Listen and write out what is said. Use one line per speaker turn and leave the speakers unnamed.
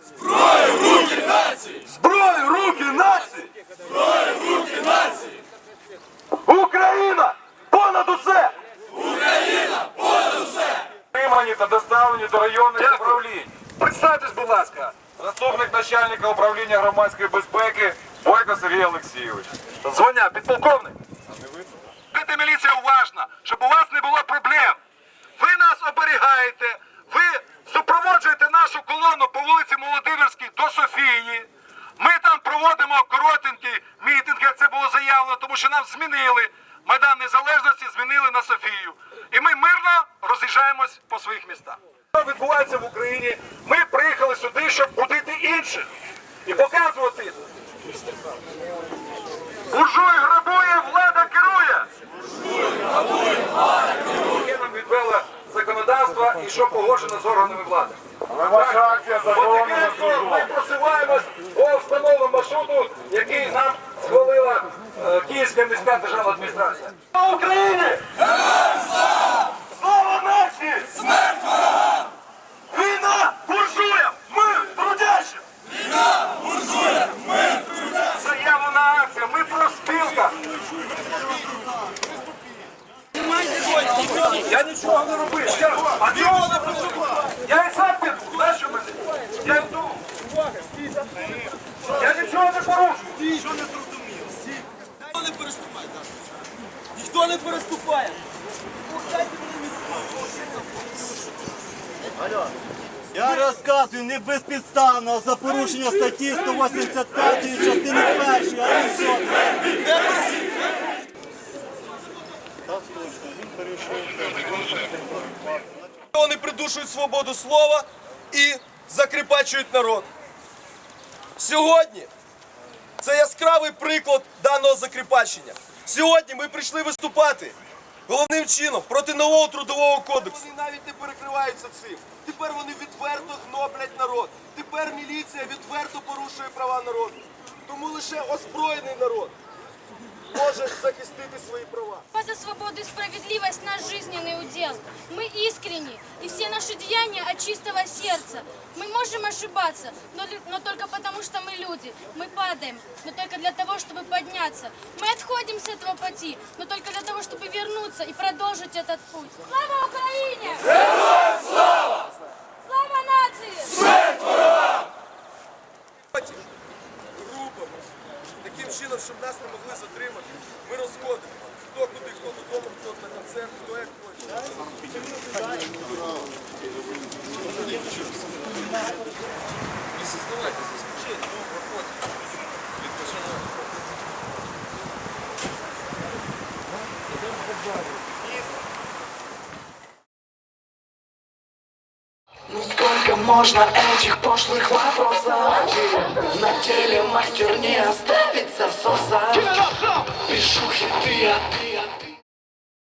Зброю в руки нації!
Зброю в руки нації!
Зброю в руки нації!
Україна понад усе!
Україна понад усе!
Отримані та доставлені до районних управлінь.
Представтесь, будь ласка.
Заступник начальника управління громадської безпеки Бойко Сергій Олексійович.
Звання підполковник. Будьте, міліція, уважна, щоб у вас не було проблем. Ви нас оберігаєте, ви супроводжуєте нашу колону по вулиці Молодимирській до Софії. Ми там проводимо коротенький мітинг, як це було заявлено, тому що нам змінили. Майдан Незалежності змінили на Софію. І ми мирно роз'їжджаємось по своїх містах. Що відбувається в Україні? Ми приїхали сюди, щоб будити інших. І показувати. Буржуй грабує, влада керує. Яке нам відвело законодавство і що погоджено з органами влади.
Ваша акція
Потихеньку ми просуваємось по встановленому маршруту, який нам схвалила Київська міська державна адміністрація. Слава Україні! Слава нації!
Смерть ворогам!
Війна буржуям! Мир трудящим!
Війна буржуям! Мир трудящим!
Заявлена акція! Ми профспілка! Я нічого не робив. А чого не працював? Я і сам піду. Знаєш, що мене? Я йду. Я нічого не порушую.
Ніхто не зрозумів. Ніхто не переступає. Ніхто не переступає.
Я розказую не безпідставно за порушення статті 185 частини 1, а не все.
Вони придушують свободу слова і закріпачують народ. Сьогодні це яскравий приклад даного закріпачення. Сьогодні ми прийшли виступати головним чином проти нового трудового кодексу. Вони навіть не перекриваються цим. Тепер вони відверто гноблять народ. Тепер міліція відверто порушує права народу. Тому лише озброєний народ може захистити свої права.
За свободу и справедливость наш жизненный удел. Мы искренни, и все наши деяния от чистого сердца. Мы можем ошибаться, но только потому, что мы люди. Мы падаем, но только для того, чтобы подняться. Мы отходим с этого пути, но только для того, чтобы вернуться и продолжить этот путь. Слава Украине!
Героям слава!
Слава нации!
Смерть ворогам!
Групами. Таким чином, щоб нас не могли затримати, ми розходимо. Хто куди, хто додому, хто на концерт, хто як хоче. Не создавайте заскочення, проходьте. Відпочинайте.
Ну сколько можно этих пошлых вопросов? На теле мастер не оставит засоса. Пишу хиты, а ты